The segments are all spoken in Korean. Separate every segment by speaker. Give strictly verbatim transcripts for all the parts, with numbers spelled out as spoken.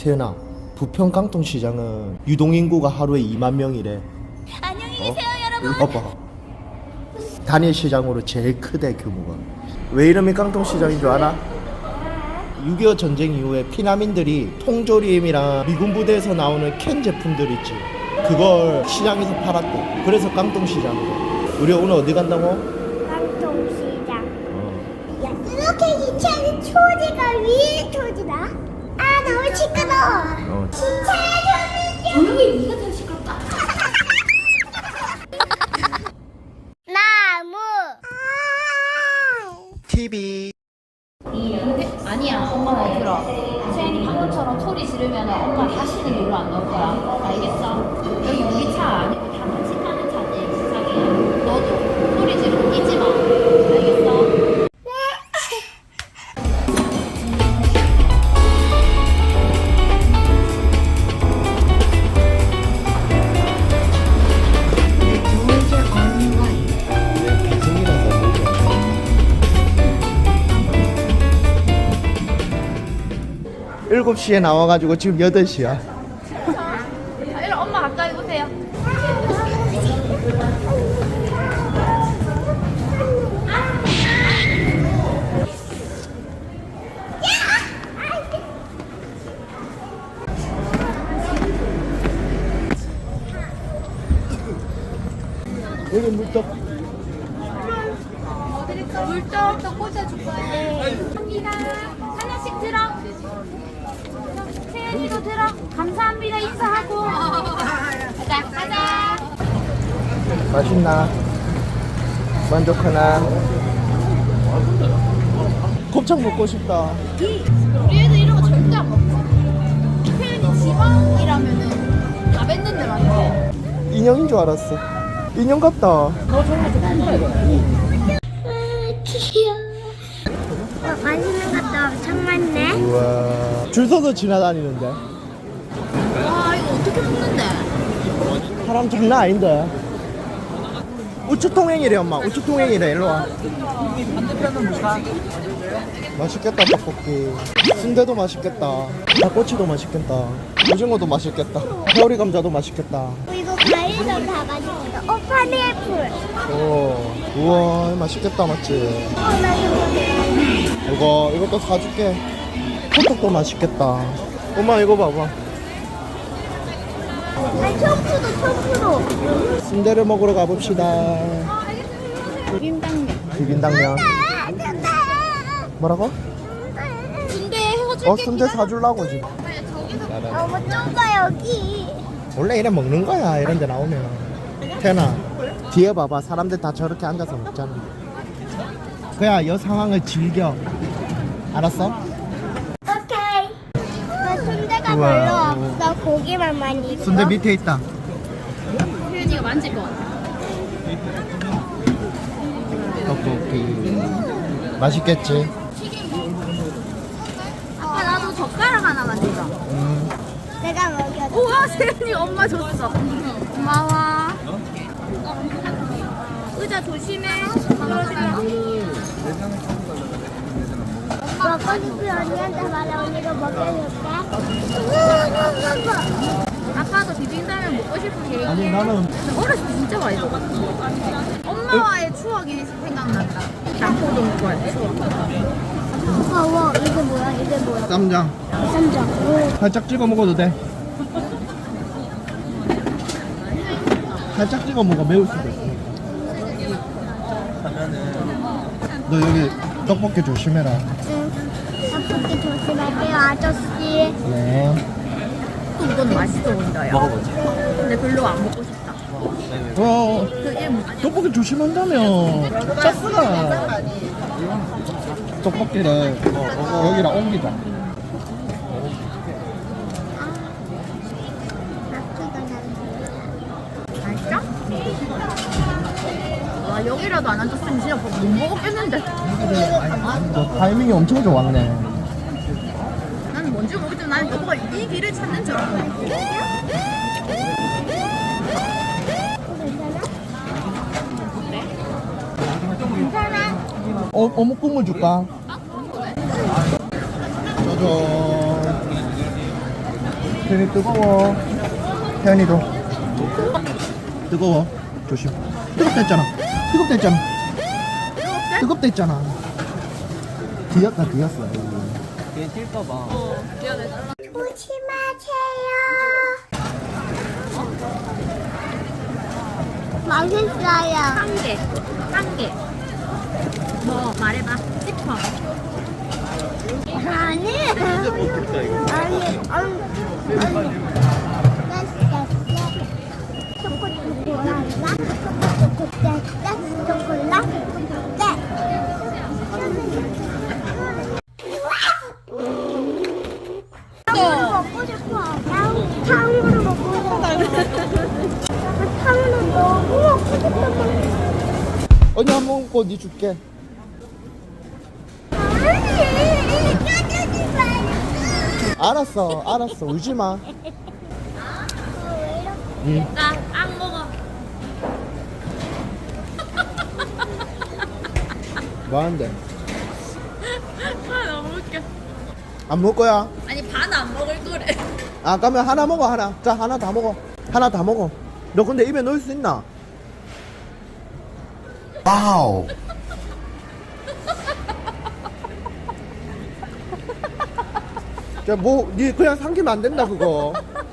Speaker 1: 세연아, 부평 깡통시장은 유동인구가 하루에 이만 명이래.
Speaker 2: 안녕히 계세요,
Speaker 1: 어?
Speaker 2: 여러분.
Speaker 1: 이거 봐. 단일 시장으로 제일 크대, 규모가. 왜 이름이 깡통시장인 줄 알아? 육이오 전쟁 이후에 피난민들이 통조림이랑 미군 부대에서 나오는 캔 제품들 있지, 그걸 시장에서 팔았대. 그래서 깡통시장이래. 우리 오늘 어디 간다고?
Speaker 2: 깡통시장.
Speaker 1: 어.
Speaker 2: 야, 이렇게 기차는 초지가 위에 초지다? 아, 너무 시끄러워.
Speaker 1: 어.
Speaker 2: 진짜 조용히, 네가 더 시끄럽다. 나무.
Speaker 1: 티비.
Speaker 3: 근데 아니야, 엄마 말 들어. 세연이 방금처럼 소리 지르면 엄마 다시는 여기로 안 넣을 거야. 알겠어? 여기 우리 차 아니고 다 같이 타는 차지. 자기야, 너도 소리 지르고 뛰지 마. 알겠어?
Speaker 1: 일곱 시에 나와가지고 지금 여덟 시야.
Speaker 3: 자, 일로 엄마 가까이 오세요.
Speaker 1: 여기 물떡.
Speaker 3: 물떡 더 꽂아줄 거야. 감사합니다. 하나씩 들어. 세연이도 들어. 감사합니다. 인사하고. 가자, 가자.
Speaker 1: 맛있나? 만족하나? 곱창 먹고 싶다.
Speaker 3: 우리 애들 이런 거 절대 안 먹어. 세연이 지방이라면은 다 뱉는데 맞네.
Speaker 1: 인형인 줄 알았어. 인형 같다.
Speaker 2: 귀여워. 어, 맛있는 것도 엄청 많네.
Speaker 1: 우와. 줄 서서 지나다니는데.
Speaker 3: 와, 이거 어떻게 먹는데?
Speaker 1: 사람 장난 아닌데. 우측통행이래, 엄마. 우측통행이래. 일로 와. 맛있겠다, 떡볶이. 순대도 맛있겠다. 닭꼬치도 맛있겠다. 오징어도 맛있겠다. 회오리 감자도 맛있겠다.
Speaker 2: 이거 과일도 다 맛있어. 어, 파인애플.
Speaker 1: 오, 우와, 맛있겠다, 맞지?
Speaker 2: 어, 나 이거.
Speaker 1: 이거, 이것도 사줄게. 호떡도 맛있겠다. 엄마, 이거 봐봐.
Speaker 2: 아, 청포도, 청포도.
Speaker 1: 순대를 먹으러 가봅시다.
Speaker 3: 비빔당면.
Speaker 1: 비빔당면.
Speaker 2: 아, 됐다.
Speaker 1: 뭐라고?
Speaker 3: 순대 해가지고.
Speaker 1: 어, 순대 사주려고 지금.
Speaker 2: 어, 뭐 좀 봐, 여기.
Speaker 1: 원래 이래 먹는 거야, 이런 데 나오면. 태연아, 뒤에 봐봐. 사람들 다 저렇게 앉아서 먹잖아. 그야, 이 상황을 즐겨. 알았어?
Speaker 2: 오케이. 나 순대가
Speaker 1: 우와.
Speaker 2: 별로 없어. 고기만 많이 있어.
Speaker 1: 순대 밑에 있다.
Speaker 3: 세연이가 만질 것 같아.
Speaker 1: 떡볶이. 맛있겠지?
Speaker 3: 아빠 나도 젓가락 하나만 주자.
Speaker 1: 음.
Speaker 2: 내가 먹여줘.
Speaker 3: 우와, 세연이 엄마 줬어. 고마워. 의자 조심해.
Speaker 2: 먹고 싶은 언니한테 말해. 언니가 먹여줄게.
Speaker 3: 아빠도 비빔라면 먹고 싶은 계획이야.
Speaker 1: 아니, 나는.
Speaker 3: 어렸을 때 진짜 많이 먹었어. 엄마와의 추억이 생각난다. 남포동 좋아해. 추억.
Speaker 2: 아, 와, 이게 뭐야? 이게 뭐야?
Speaker 1: 쌈장.
Speaker 2: 쌈장. 오.
Speaker 1: 살짝 찍어 먹어도 돼. 살짝 찍어 먹어, 매울 수도 있어. 너 여기 떡볶이 조심해라.
Speaker 2: 응. 떡볶이 조심할게요, 아저씨.
Speaker 1: 네.
Speaker 3: 또 이건 맛있어 보인다, 야. 먹어보자. 근데 별로 안 먹고 싶다.
Speaker 1: 어,
Speaker 3: 그게 뭐지?
Speaker 1: 떡볶이 조심한다며. 짰어. 떡볶이를 여기랑 옮기자.
Speaker 3: 맛있어? 와, 여기라도 안 앉았으면 진짜 못 먹었겠는데.
Speaker 1: 너 타이밍이 엄청 좋았네.
Speaker 3: 나는 뭔지 모르겠지만 나는 너가 이 길을 찾는 줄 알았네.
Speaker 1: 어, 어묵 국물 줄까? 짜잔. 태연이 뜨거워. 태연이도 뜨거워. 조심. 뜨겁다 했잖아. 뜨겁다 했잖아. 뜨겁다 했잖아. 뒤였다 뒤였어.
Speaker 4: 얘 뛸까봐.
Speaker 2: 조심하세요. 맛있어요.
Speaker 3: 한 개. 한 개. 뭐 말해봐. 싶어.
Speaker 2: 아니. 아니. 아니. 아니. 초콜릿 초콜릿 초콜릿 탕후루 먹고 싶어. 탕후루 먹고 싶어. 탕후루 너무 먹고 싶어.
Speaker 1: 언니 한 번 먹고 니 줄게.
Speaker 2: 아니, 껴주지 마.
Speaker 1: 알았어 알았어 울지 마. 응.
Speaker 3: 나 안 먹어.
Speaker 1: 뭐 하는데?
Speaker 3: 아 너무 웃겨.
Speaker 1: 안 먹을 거야?
Speaker 3: 아니 반 안 먹을 거래.
Speaker 1: 아 그러면 하나 먹어 하나. 자 하나 다 먹어. 하나 다 먹어. 너 근데 입에 넣을 수 있나? 와우. 야뭐니 그냥 삼키면 안 된다 그거.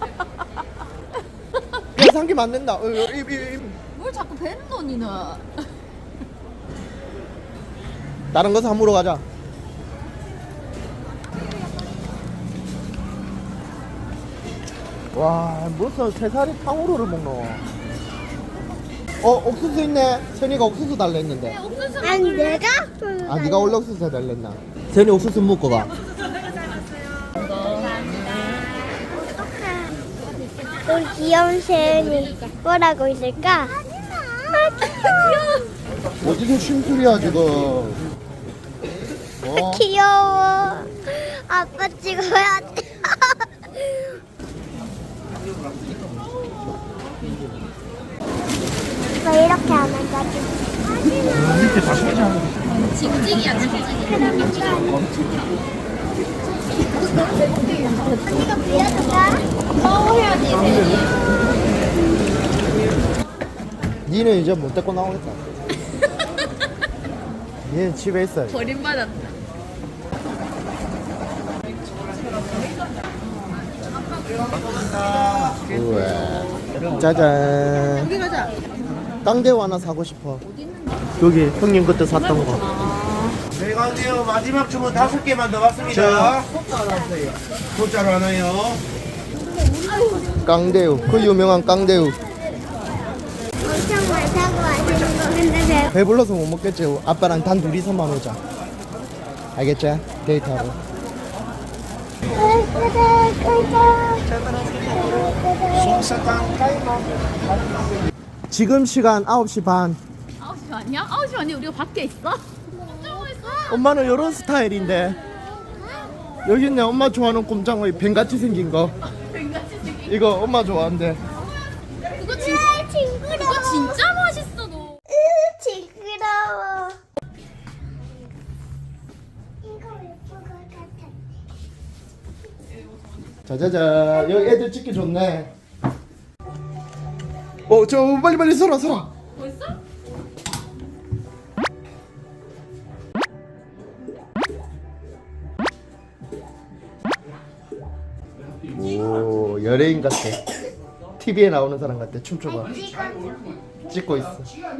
Speaker 1: 그냥 삼키면 안 된다. 어, 입, 입, 입.
Speaker 3: 뭘 자꾸 뱉노 니는.
Speaker 1: 다른 거 사무러 가자. 와 무슨 세 살이 탕후루를 먹노. 어 옥수수 있네. 세니가 옥수수 달래 했는데.
Speaker 3: 옥수수
Speaker 2: 아니 내가?
Speaker 1: 아 네가 원래 옥수수 해달랬나? 세니 옥수수 먹고 가.
Speaker 2: 우리 귀여운 세연이 뭐라고 있을까? 아 귀여워.
Speaker 1: 어디서 심술이야 지금. 어?
Speaker 2: 귀여워. 아빠 찍어야 돼. 왜 이렇게 안 한다지?
Speaker 1: 밑에 다 심자.
Speaker 3: 징징이야 징징이.
Speaker 2: 이거 보여줄까?
Speaker 3: 먹어야지 세니.
Speaker 1: 니는 이제 못 데리고 나오겠다. 얘는 집에 있어요.
Speaker 3: 버림받았다.
Speaker 1: 우와. 짜잔.
Speaker 3: 여기 가자.
Speaker 1: 깡대우 하나 사고 싶어. 여기 형님 그때 샀던 거.
Speaker 4: 저희가 한데요 마지막 주문 다섯 개만 더 받습니다. 소자로 하나요?
Speaker 1: 깡대우. 그 유명한 깡대우.
Speaker 2: 엄청 많다고 하시는 거 근데
Speaker 1: 배불러서 못 먹겠지. 아빠랑 단 둘이서만 오자. 알겠지? 데이트하고.
Speaker 4: 솜사탕 타이머.
Speaker 1: 지금 시간 아홉 시 반.
Speaker 3: 아홉 시 아니야? 아홉 시 아니 우리가 밖에 있어? 꼼짝고 있어.
Speaker 1: 엄마는 이런 스타일인데. 여기 있네. 엄마 좋아하는 꼼장어이 뱀같이 생긴 거.
Speaker 3: 뱅같이 생긴.
Speaker 1: 이거 엄마 좋아한대.
Speaker 3: 그거 진
Speaker 2: 징그러워.
Speaker 3: 그거 진짜 맛있어 너.
Speaker 2: 으, 징그러워. 이거 예쁠 것 같아.
Speaker 1: 자자자. 여기 애들 찍기 좋네. 어, 저 빨리 빨리 서라 서라.
Speaker 3: 벌써?
Speaker 1: 오, 연예인 같아. 티비에 나오는 사람 같아. 춤춰봐. 찍고 있어.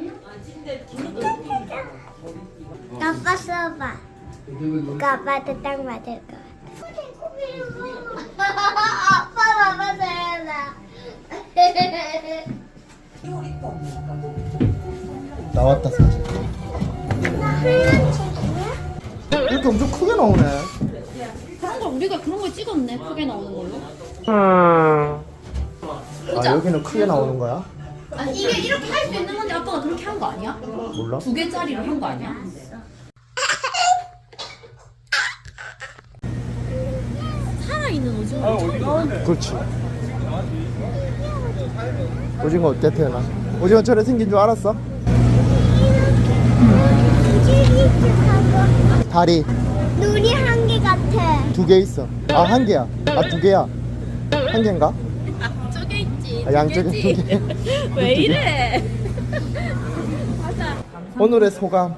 Speaker 2: 아빠 써봐. 이거 아빠한테 딱 맞을 것 같아. 아빠 봐봐 세연아.
Speaker 1: 나왔다 사진.
Speaker 2: 하얀 책이야?
Speaker 1: 이렇게 엄청 크게 나오네.
Speaker 3: 그런 걸 우리가 그런 걸 찍었네. 크게 나오는 걸로.
Speaker 1: 아, 여기는 크게 나오는 거야?
Speaker 3: 아니 이게 이렇게 할 수 있는 건데 아빠가 그렇게 한 거 아니야?
Speaker 1: 몰라.
Speaker 3: 두 개짜리로 한 거 아니야? 살아있는 오징어.
Speaker 1: 그렇지. 오징어 어때 태연아? 오징어 저래 생긴 줄 알았어? 다리
Speaker 2: 눈이 한 개 같아.
Speaker 1: 두 개 있어. 아 한 개야. 아 두 개야. 한 개인가?
Speaker 3: 저게 있지.
Speaker 1: 아, 양쪽에 두 개.
Speaker 3: 왜 이래? 맞아.
Speaker 1: 오늘의 소감.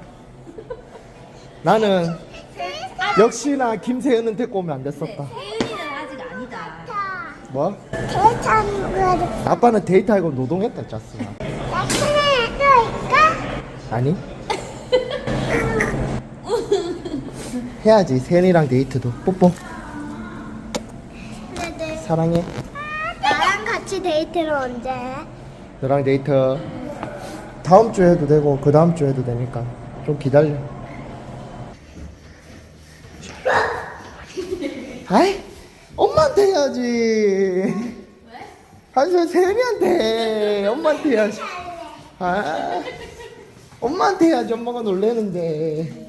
Speaker 1: 나는 역시나 김세현은 데리고 오면 안 됐었다.
Speaker 3: 혜은이는 아직 아니다.
Speaker 1: 뭐?
Speaker 2: 대찬 거를
Speaker 1: 아빠는 데이트하고 노동했다 짰어.
Speaker 2: 나중에 또 있까?
Speaker 1: 아니? 해야지. 세연이랑 데이트도. 뽀뽀.
Speaker 2: 네네.
Speaker 1: 사랑해.
Speaker 2: 나랑 같이 데이트를 언제 해?
Speaker 1: 너랑 데이트 다음 주에 해도 되고 그 다음 주에 해도 되니까 좀 기다려. 아이, 엄마한테 해야지. 왜? 아니, 세연이한테 해. 엄마한테 해야지. 아, 엄마한테 해야지. 엄마가 놀래는데.